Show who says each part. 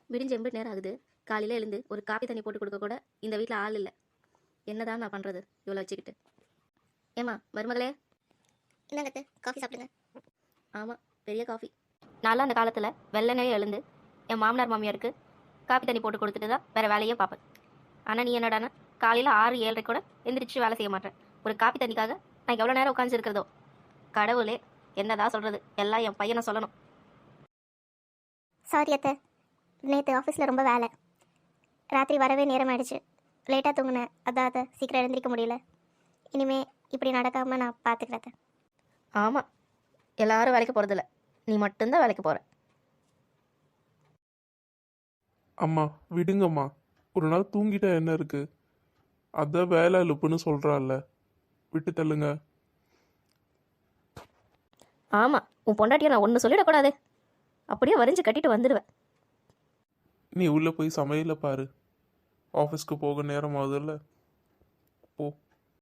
Speaker 1: விடிஞ்சு எம்பிட்டு நேரம் ஆகுது. காலையில் எழுந்து ஒரு காப்பி தண்ணி போட்டு கொடுக்க கூட இந்த வீட்டில் ஆள் இல்லை. என்னதான் நான் பண்ணுறது இவ்வளோ வச்சுக்கிட்டு? ஏம்மா மருமகளே,
Speaker 2: இந்தாங்கத்து காஃபி சாப்பிடுங்க.
Speaker 1: ஆமாம், பெரிய காஃபி. நான்லாம் அந்த காலத்தில் வெள்ளனே எழுந்து என் மாமனார் மாமியாருக்கு காப்பி தண்ணி போட்டு கொடுத்துட்டு தான் வேறு வேலையே பார்ப்பேன். ஆனால் நீ என்னடானா காலையில் 6-7 கூட எந்திரிச்சு வேலை செய்ய மாட்டேன். ஒரு காப்பி தண்ணிக்காக நான் எவ்வளோ நேரம் உட்காந்துருக்கிறதோ. கடவுளே, என்னதான் சொல்கிறது, எல்லாம் என் பையனை சொல்லணும்.
Speaker 2: சாரி அத்தை, நேற்று ஆஃபீஸில் ரொம்ப வேலை, ராத்திரி வரவே நேரம் ஆயிடுச்சு, லேட்டாக தூங்கினேன். அதான் அத்தை சீக்கிரம் எழுந்திரிக்க முடியல. இனிமே இப்படி நடக்காமல் நான் பார்த்துக்கிறேன் அத்தை.
Speaker 1: ஆமாம், எல்லாரும் வேலைக்கு போகிறதில்ல, நீ மட்டும்தான் வேலைக்கு போகிற.
Speaker 3: அம்மா விடுங்கம்மா, ஒரு நாள் தூங்கிட்டா என்ன இருக்கு? அதான் வேலை இழுப்புன்னு சொல்கிறாள்ல, விட்டு தள்ளுங்க.
Speaker 1: ஆமாம், உன் பொண்டாட்டியை நான் ஒன்று சொல்லிடக்கூடாது, அப்படியே வரைஞ்சி கட்டிட்டு வந்துடுவேன்.
Speaker 3: நீ உள்ளே போய் சமையல பாரு, ஆஃபீஸ்க்கு போக நேரம் ஆகுதுல்ல, போ.